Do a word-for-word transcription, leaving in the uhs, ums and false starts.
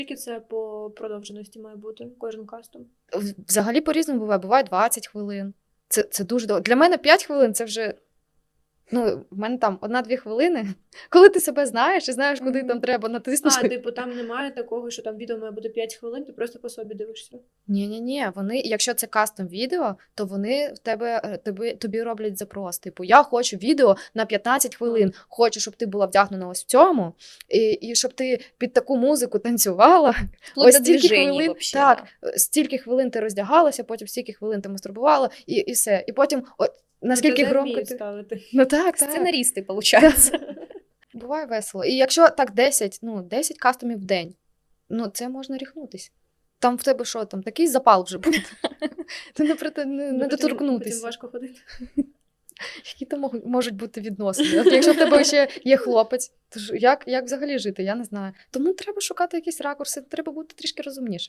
Скільки це по продовженості має бути кожен кастом? Взагалі по-різному буває. Буває двадцять хвилин. Це, це дуже довго. Для мене п'ять хвилин це вже. Ну, в мене там одна-дві хвилини. Коли ти себе знаєш і знаєш, куди Мгм. там треба натиснути. А, типу, там немає такого, що там відео має бути п'ять хвилин, ти просто по собі дивишся. Ні-ні-ні, вони, якщо це кастом відео, то вони в тебе, е, тобі, тобі роблять запрос. Типу, я хочу відео на п'ятнадцять хвилин, хочу, щоб ти була вдягнена ось в цьому, і, і щоб ти під таку музику танцювала. Вплоть Ось до стільки движений хвилин, вообще, так, да. е, стільки хвилин ти роздягалася, потім стільки хвилин ти мастурбувала, і, і все. І потім, от, наскільки Ну, це громко вміють ти... ставити. Ну так, так. Сценаристы, получается. Буває весело. І якщо так десять, ну, десять кастомів в день, ну, це можна ріхнутись. Там в тебе що, там такий запал вже буде. Ти не, прит- не, не Ну, потім- Потім доторкнутися. важко ходити. Які там мог- можуть бути відносини? От якщо в тебе ще є хлопець, то ж як, як взагалі жити, я не знаю. Тому треба шукати якісь ракурси, треба бути трішки розумніше.